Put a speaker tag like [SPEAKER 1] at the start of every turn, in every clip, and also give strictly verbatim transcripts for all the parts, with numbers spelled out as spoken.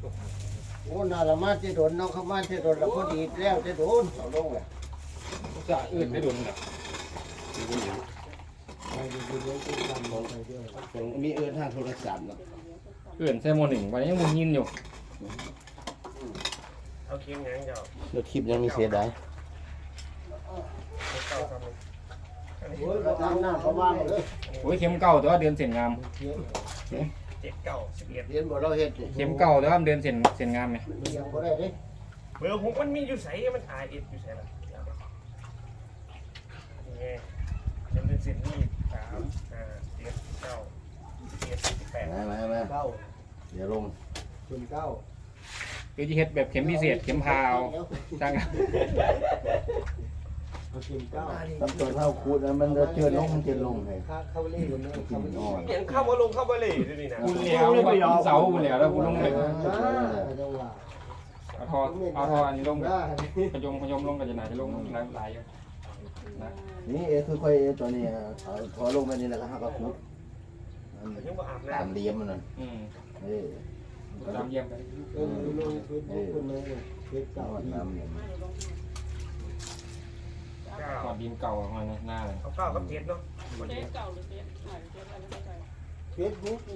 [SPEAKER 1] โอ้น่าละมาที่โดนน้องเข้ามาที่โดนแล้วพอดีแล้วที่โดนเอาลงเลย
[SPEAKER 2] จะอื่นได้โดนแบบ
[SPEAKER 1] ผมมีเอื้อนทางโทรศัพท์เนาะ
[SPEAKER 2] อื่นแซมโมหนึ่งวันยังมึงยินอยู่
[SPEAKER 3] เอาครีมยังเจ้า
[SPEAKER 1] เดี๋ยวคลิปยังมีเสียดาย
[SPEAKER 3] เก้าครับ
[SPEAKER 1] โอ้ยเราทำหน้าเขาบ้างเลย
[SPEAKER 2] โอ้ยเข็มเก่าแต่ว่าเดือนเส้นงาม
[SPEAKER 3] เจ็ดเก้าสิบเอ็ด
[SPEAKER 1] เรียนบ่เราเฮ็ดดิ
[SPEAKER 2] เข็มเก่าแต่ว่าเดือนเส้นเส้นงามไหม
[SPEAKER 1] ยังบ่ได้ดิ
[SPEAKER 3] เบอร์ผมมันมีอยู่ใส่มันอาเอ็ดอยู่ใส่ละนี่ไงจำเป็นสิบนี่สามห้าเจ็ดเก้าสิบเอ็ดสิบแปด
[SPEAKER 1] มามามาเก้าเดี๋ยวลงคุณเก้า
[SPEAKER 2] คือจะเฮ็ดแบบเข็มพิเศษเข็มพาวจัง
[SPEAKER 1] คุณเก้าตำตัวเท่าคูดนะมันจะเจือนลงมันจะลงให้เข้าเล่นเลยเข้าเล่นอ่อน
[SPEAKER 3] เปลี่ยนเข้ามาลงเข้ามาเลยดูนี่นะ
[SPEAKER 2] คุณเหลียวคุณเสาคุณเหลียวแล้วคุณลงเลยเอาทอเอาทออันนี้ลงขยมขยมลงกันจะไหนจะลงหลายหลายอยู่นะ
[SPEAKER 1] นี่เอคือค่อยเอตัวนี้เอาพอลงไปนี่แล้วก็หักกระคุด
[SPEAKER 3] ยังบ่อาบ
[SPEAKER 1] ตาม
[SPEAKER 3] น้ำ
[SPEAKER 1] เลี้ยมมันนั่น
[SPEAKER 2] อืม
[SPEAKER 1] เออ
[SPEAKER 2] ตามเยี่ยมไป
[SPEAKER 1] เออลงเฟซบุ๊กคนเลยเฟซเก่าน้ำเนี่ย
[SPEAKER 3] เก้า
[SPEAKER 2] ก่อนดินเก่าออกมาหน้าเลย
[SPEAKER 3] เอาเก้ากับเจ็ดเนาะ
[SPEAKER 4] เฟซเก่าหรือเฟซใหม่เฟซอะไรไม่เข้าใจ
[SPEAKER 1] เฟซบุ๊กนะ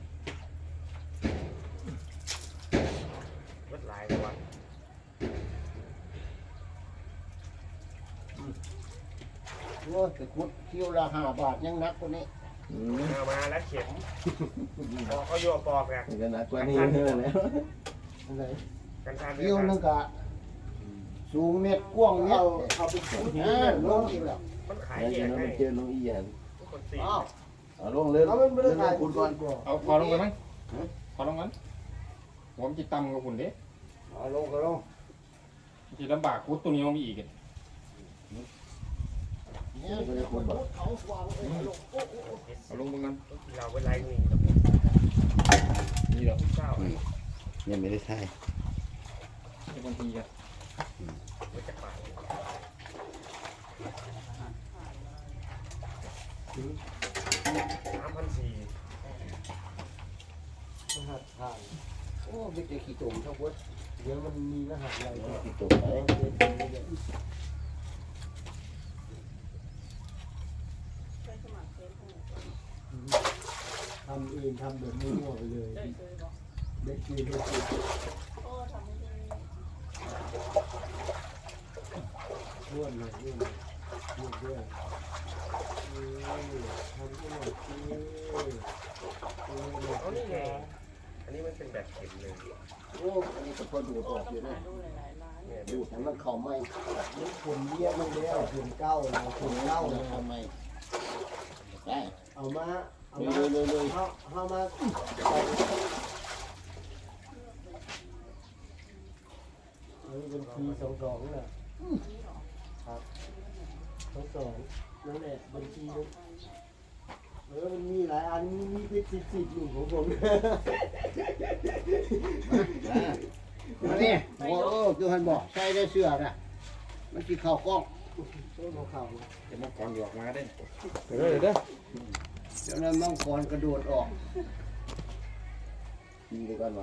[SPEAKER 3] รถหลายกว่า
[SPEAKER 1] โอ้แต่คุดคิวละห้าบาทยังนักกว่านี้
[SPEAKER 3] เอามาแล้วเข็มปอกเอาโยปอกกัน
[SPEAKER 1] ก็นักกว่านี้เท่านั้นแล้วอะไร
[SPEAKER 3] กันทาน
[SPEAKER 1] คิวนึงกะสูงเม็ดกว้างเม็ดเอาไปขุดนะลงอีกแล้ว
[SPEAKER 3] มันขาย
[SPEAKER 1] เดี๋
[SPEAKER 3] เอ
[SPEAKER 1] ยว
[SPEAKER 3] งให้
[SPEAKER 1] มันเจอลงอีหยัน
[SPEAKER 3] คนสี่
[SPEAKER 1] อ้าวเอาลงเลยเอามันไม่ได้ถ่ายคุณก่อน
[SPEAKER 2] เอาพอลงไปมั้งพอลงงั้นผมจิตตำกับคุณเด้
[SPEAKER 1] เอาลงก็ลง
[SPEAKER 2] จิตลำบากคุดตัวนี้มีอีก
[SPEAKER 1] เนี่ยไม่ได้ขุดบ่เอาวางไว้ลง
[SPEAKER 2] เอาลงมึงกัน
[SPEAKER 3] เราเป็นไรนี่
[SPEAKER 2] นี่เหรอ
[SPEAKER 3] เก้า
[SPEAKER 1] ยังไม่ได้ถ่าย
[SPEAKER 2] เป็นคนทีกัน
[SPEAKER 3] มันจะป่าสามพันสี่
[SPEAKER 1] รหัสผ่านโอ้ไม่ได้ขี้ตุ่มทั้งหมดเดี๋ยวมันมีรหัสอะไรขี้ตุ่มไป
[SPEAKER 4] ใช้สมัครเฟซของ
[SPEAKER 1] ทำเองทำแบบมั่วไปเลย
[SPEAKER 4] ได้เคยบอก
[SPEAKER 1] เด็กกินเด็กกิน
[SPEAKER 4] โอ้ทำไม่ได้
[SPEAKER 1] ม้วนหน่อยม้วนหน่อยม้วนด้วยเออทำม้วนสิเออ
[SPEAKER 3] เอานี่ไงอันนี้มันเป็นแบบเข็มเลย
[SPEAKER 1] โอ้อันนี้ก็พอดูออกอยู่นะ
[SPEAKER 4] ดูหลายๆร้าน
[SPEAKER 3] เนี่ย
[SPEAKER 1] ดูแต่มันเข่าไม่นี่คนเลี้ยงมันแล้วคนเก้าเราคนเก้าเราทำไมได้เอามาเอามาเลยเลยเขาเขามาอันนี้เป็นทีสองสองน่ะครับสองสองนั่นแหละบัญชีนึงเออมันมีหลายอันมีมีเป็นสิบสิบอยู่ของผมมาเนี่ยโอ้โหคือฮันบอกใส่ได้เสื้อนะมันจีเข่ากล้องโซ่เข่า
[SPEAKER 2] จะมากรหยอกมาได้
[SPEAKER 3] เดี๋ยวเดี๋ยว
[SPEAKER 1] เดี๋ยวนั้นมังกรกระโดดออกยิงไปก่อนวะ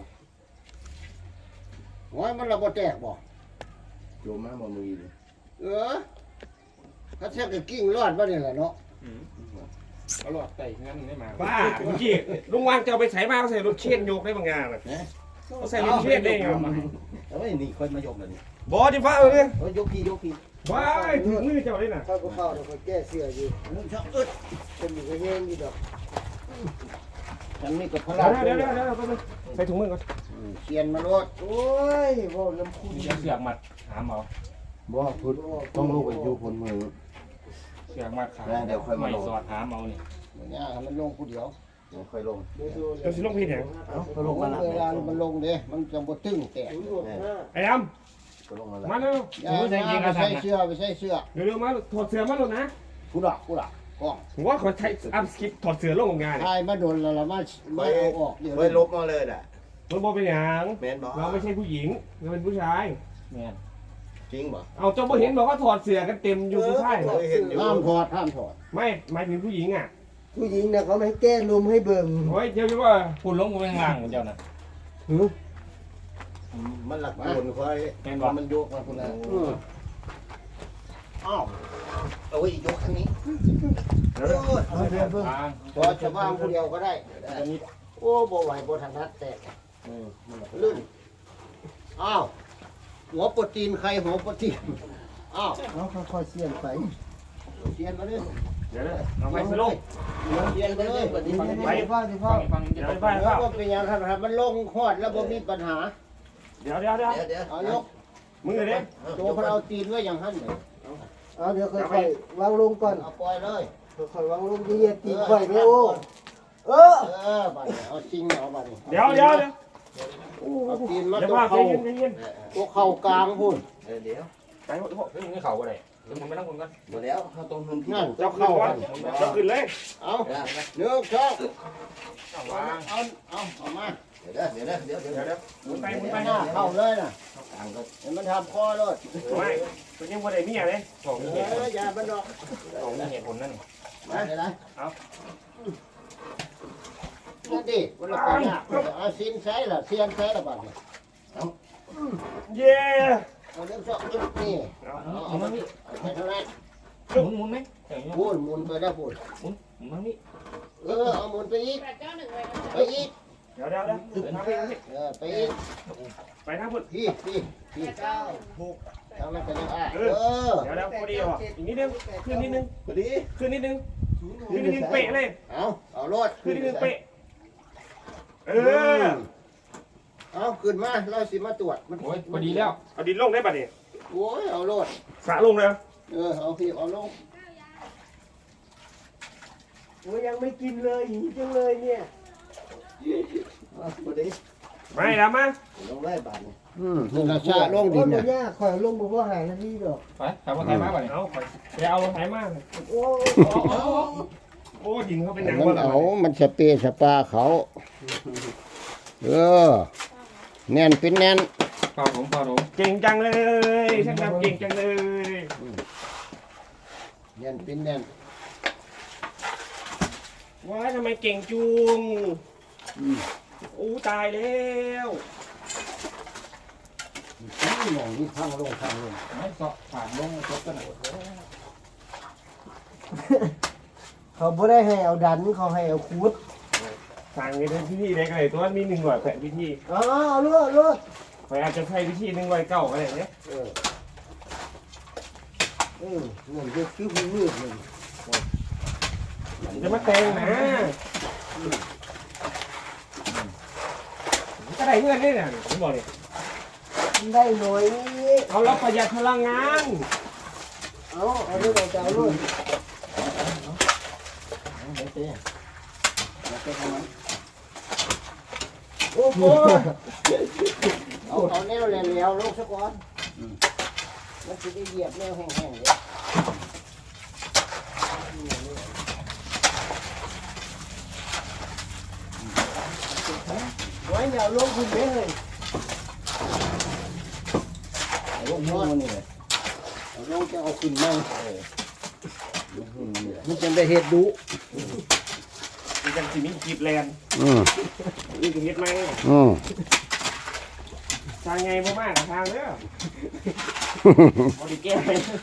[SPEAKER 1] โอ้ยมันระเบิดแตกบ่โยมมาบ่มือเลยเออเขาเช็คกับกิ้งรอดบ่เนี่ยแหละเนาะ
[SPEAKER 2] เอาหลอดไต่งั้นได้มา
[SPEAKER 3] บ้าเมื่อกี้ลุงวางจะเอาไปใส่มาเขาใส่รถเชียนโยกได้บางงานเลยเขาใส่รถเชียนได้ไง
[SPEAKER 1] เอาไว้นี่คนมายกเลยนี่
[SPEAKER 3] บอจิฟ้าเอาเลย
[SPEAKER 1] โอ้ยยกพี่ยกพี่
[SPEAKER 3] ว้ายถึงมือเจ้าเลยน่ะ
[SPEAKER 1] เข้าก็เข้าแล้วก็แก้เสื้ออยู่มึงชอบอึดเป็นอยู่ก็แห้งอยู่ดอกฉันนี่ก็พ
[SPEAKER 3] เดี๋
[SPEAKER 1] ลา
[SPEAKER 3] ยวเดี๋ยวเดี๋ยวเดี๋ยวใส่ถุงมือก่อน
[SPEAKER 1] เขียนมาโลดโอ้ยบ่น้ำคุณ
[SPEAKER 2] มีเสือกมัดหามเอา
[SPEAKER 1] บ่พุดต้องลูกไปอยู่บนมือ
[SPEAKER 2] เสือกมัดขา
[SPEAKER 1] เดี๋ยวค่อยมา
[SPEAKER 2] ไม่
[SPEAKER 1] ลง
[SPEAKER 2] สอดหามเอานี่
[SPEAKER 1] เนี่ยมันลงผู้เดียวเดี๋ยวค่อยลง
[SPEAKER 3] เดี๋ยวสิลงพี่เนี่ย
[SPEAKER 1] เอ้าก็ลงมาเวลามันลงเด้มันจะบ่ตึงแตก
[SPEAKER 3] ไอ้ด
[SPEAKER 1] ก็ลงมา
[SPEAKER 3] ำ
[SPEAKER 1] แล้ว
[SPEAKER 3] มาเร็ว
[SPEAKER 1] อย่าไปใส่เสื้อไปใส่เสื้อ
[SPEAKER 3] เร็วๆมาถอดเสื้อมาหลุดนะ
[SPEAKER 1] ผู้ดอกผู้ดอกกล้อง
[SPEAKER 3] ผมว่าเขาใช้อัพสคริปถอดเสื้อลงของงาน
[SPEAKER 1] ทายมาโดนแล้วละมาไม่เอาออกเดี๋ยว
[SPEAKER 5] เฮ้ยลบมาเลยน่ะ
[SPEAKER 3] มันบอกเป็นอย่าง
[SPEAKER 5] แมนบอก
[SPEAKER 3] เราไม่ใช่ผู้หญิงเราเป็นผู้ชาย
[SPEAKER 2] แม่น
[SPEAKER 5] จริงบ่
[SPEAKER 3] เอาเจ้าบ่เห็นบอกว่าถอดเสื้อกันเต็มอยู่ผู้ชาย
[SPEAKER 5] เคยเห็นอยู่
[SPEAKER 1] ห้ามถอดห้ามถอด
[SPEAKER 3] ไม่หมายถึงผู้หญิงอ่ะ
[SPEAKER 1] ผู้หญิงเนี่ยเขาไม่แก้ลมให้เบิ่ง
[SPEAKER 3] โอ้ยเดี๋ยวจะว่า
[SPEAKER 2] คุณลงกูไปข้างล่างของเจ้าน่ะ
[SPEAKER 1] หือ
[SPEAKER 5] มันหลักโอนคอย
[SPEAKER 2] แม่นบ่
[SPEAKER 5] มันยกมาคนละอ้าวเอาไว้ยกทางนี้
[SPEAKER 3] เดี๋ยวเดี๋ยว
[SPEAKER 5] โอ้ย
[SPEAKER 1] เอาเดี๋ยวเบิ่ง
[SPEAKER 2] วาง
[SPEAKER 5] พอจะว่างคนเดียวก็ได้
[SPEAKER 2] อันนี้
[SPEAKER 5] โอ้บ่ไหวบ่ทันทัดแตกลื่นอ้าวหัวโปรตีนใครหัวโปรตีนอ้าว
[SPEAKER 1] เอาค่อยๆเสียนไป
[SPEAKER 5] เสียนมาเลย
[SPEAKER 3] เดี๋ยวเดี๋ยวเอาไปสิลง
[SPEAKER 5] เสียนไปเลย
[SPEAKER 1] นี่นี่นี่ฟังสิฟั
[SPEAKER 2] ฟั
[SPEAKER 1] ง
[SPEAKER 2] งฟัง
[SPEAKER 3] เดี๋ยว
[SPEAKER 2] จะ
[SPEAKER 3] ไป
[SPEAKER 5] แล้
[SPEAKER 3] เป
[SPEAKER 5] ว
[SPEAKER 3] ล่า
[SPEAKER 5] ก็เป็นอย่างนั้นครับมันลงหอดแล้วบ่มีปัญหา
[SPEAKER 3] เดี๋ยวเดี๋ยวเดี๋ยว
[SPEAKER 5] เดี๋ยวเอายก
[SPEAKER 3] มึงเลยเด้
[SPEAKER 5] ตัวเขาเอาตีนไว้อย่างนั้นเลย
[SPEAKER 1] เอาเดี๋ยวค่อยๆวางลงก่อน
[SPEAKER 5] เอาปล่อยเลย
[SPEAKER 1] ค่อยๆวางลงที่เหยียดตีนไข่ไม่โอ้เออ
[SPEAKER 5] เออบัดนี้เอาจริงเอาบัดนี้
[SPEAKER 3] เดี๋ยวเดี๋ยวเดี๋ยว
[SPEAKER 5] เอาตีนมา
[SPEAKER 3] เดี๋ยว
[SPEAKER 5] ตัว
[SPEAKER 3] ว่าใจ
[SPEAKER 5] เข่า
[SPEAKER 3] เย็นใจเย็น
[SPEAKER 5] ตัวเข่ากลางพุ่น
[SPEAKER 2] เดี๋ยวไปหมดพวกเฮ้ยมึงเข่าอะไรเดี๋ยวมึงไปนั่งคนกัน
[SPEAKER 5] หมดแล้วเขาตรงนุ่น
[SPEAKER 3] นั่นเจ้าเข้าก่อนเจ้าขึ้นเลย
[SPEAKER 5] เอาเนื้อช่อง
[SPEAKER 2] วาง
[SPEAKER 5] เอาเอาเอามาเดี๋ยวเดี๋ยวเดี๋ยวเดี๋ยว
[SPEAKER 3] เดี๋ยวเดี๋ยวหมุนไปหมุนไป
[SPEAKER 5] หน้าเข้าเลยน่ะ
[SPEAKER 2] ต่างก็
[SPEAKER 5] เห็นมันทำคอเลย
[SPEAKER 3] ไม่ตัวยังบ่ได้เมียเลย
[SPEAKER 2] สอง
[SPEAKER 5] เอ
[SPEAKER 2] เหตุผล
[SPEAKER 5] ออย่ามันดอก
[SPEAKER 2] สองเหตุผลนั่น
[SPEAKER 5] มาเลยนะ
[SPEAKER 3] เอา
[SPEAKER 5] ดูดิวันละปีน่ะเอาซินใช้ล่ะเซียนใช้ละบัดนี้
[SPEAKER 3] เย้
[SPEAKER 5] เอาเรื่องช่องนี่
[SPEAKER 3] เอา
[SPEAKER 5] เอาเอามานี่เอาไปเท่านั้น
[SPEAKER 2] หมุนหมุนไหมอย่างเงี้ย
[SPEAKER 5] พูนหมุนไปได้พูน
[SPEAKER 2] หมุนหมุนมานี่
[SPEAKER 5] เออเอาหมุนไปอีก
[SPEAKER 4] แปดเก้าหนึ่งไว้นะ
[SPEAKER 5] ไปอีก
[SPEAKER 3] เดี๋ยวเดี๋ยวเดี๋ยวทำไปทำไป
[SPEAKER 5] เออไปอีก
[SPEAKER 3] ไปทางพุ่น
[SPEAKER 5] พี่พี่พี่เก้าหกทำมันจะได้อ่ะเออ
[SPEAKER 3] เดี๋ยวเดี๋ยวพอดีอ่ะอีกนิดนึงขึ้นนิดนึง
[SPEAKER 5] พอดี
[SPEAKER 3] ขึ้นนิดนึงขึ้นนิดนึงเป๊ะเลย
[SPEAKER 5] เอาเอารถ
[SPEAKER 3] ขึ้นนิดนึงเป๊ะเออ
[SPEAKER 5] เอาขึ้นมาเราสิมาตรวจมัน
[SPEAKER 2] โอ้ยพอดีแล้ว
[SPEAKER 3] เอาดินลงได้ป่ะเนี่ย
[SPEAKER 5] โอ้ยเอารถ
[SPEAKER 3] สระลงเลย
[SPEAKER 5] เออเอาพี่เอาลง
[SPEAKER 1] โอ้ยยังไม่กินเลยหิวจังเลยเนี่ย
[SPEAKER 5] เอาพอดี
[SPEAKER 3] ไม่แล้วมา
[SPEAKER 5] ลงไล่บาทนี่อืมนี่เราชาลงดิน
[SPEAKER 1] โอ้
[SPEAKER 5] นะ
[SPEAKER 1] ยยากข่อยลงบ่พอหานาทีดอก
[SPEAKER 2] ไปขับรถไถมาป่ะเนี่ย
[SPEAKER 3] เอาไปเอารถไถมา
[SPEAKER 1] โอ้
[SPEAKER 3] โอ้ดินเขาเป็นหนัง
[SPEAKER 5] มั
[SPEAKER 3] บ่
[SPEAKER 5] น
[SPEAKER 3] ล่ะ
[SPEAKER 5] เอามันสเปรย์สปาเขา เออแน่นเป็นแน่น
[SPEAKER 2] เป่าผมเป่าผม
[SPEAKER 3] เก่งจังเลยช่างทำเก่งจังเลย
[SPEAKER 5] แน่นเป็นแน่น
[SPEAKER 3] ว้ายทำไมเก่งจุงอู้ตายแล้ว
[SPEAKER 5] นี่มองนี่ข้างลงข้างลง
[SPEAKER 2] ไม่เสาะผ่านลงจบกันหมด
[SPEAKER 1] เขาบ่ได้ให้เอาดันเขาให้เอาคูด
[SPEAKER 3] ทางนี้เป็นพิธีเล็กเลยตัวมีหนึ่งร้อยแปดพิธี
[SPEAKER 1] อ๋อเอาเลือดเลือด
[SPEAKER 3] ไปอาจจะใช้พิธีหนึ่งร้อยเก้าอะไรเนี่ย
[SPEAKER 5] เออเออเงินเยอะคือมืดเลย
[SPEAKER 3] จะมาแต่งนะก็ได้เงินได้เนี่ยผมบอกเลย
[SPEAKER 1] ได้หน่อยนี่
[SPEAKER 3] เอาเราประหยัดพลังงาน
[SPEAKER 1] เอาเอาเลือดเอาจะเอาเลือด
[SPEAKER 5] ไม่เต้ไม่เต้ทำไม
[SPEAKER 1] โอ้โห
[SPEAKER 5] เอาเอาแนวแล้วแล้วลงสักก่อนมันจะได้เหยียบแนวแห้งๆเลย
[SPEAKER 1] ไว้อย่าลงคุณเด้เลย
[SPEAKER 5] ลงมือนี่เลยเอาลงจะเอาขึ้นมั่งมันจะได้เห็ดดุ
[SPEAKER 3] มีกันสิมีกีบแลน
[SPEAKER 5] อืม
[SPEAKER 3] นี่คือเฮ็ดไหม
[SPEAKER 5] อืม
[SPEAKER 3] ทางไงบ่มากทางเด้อบ่ได้แก้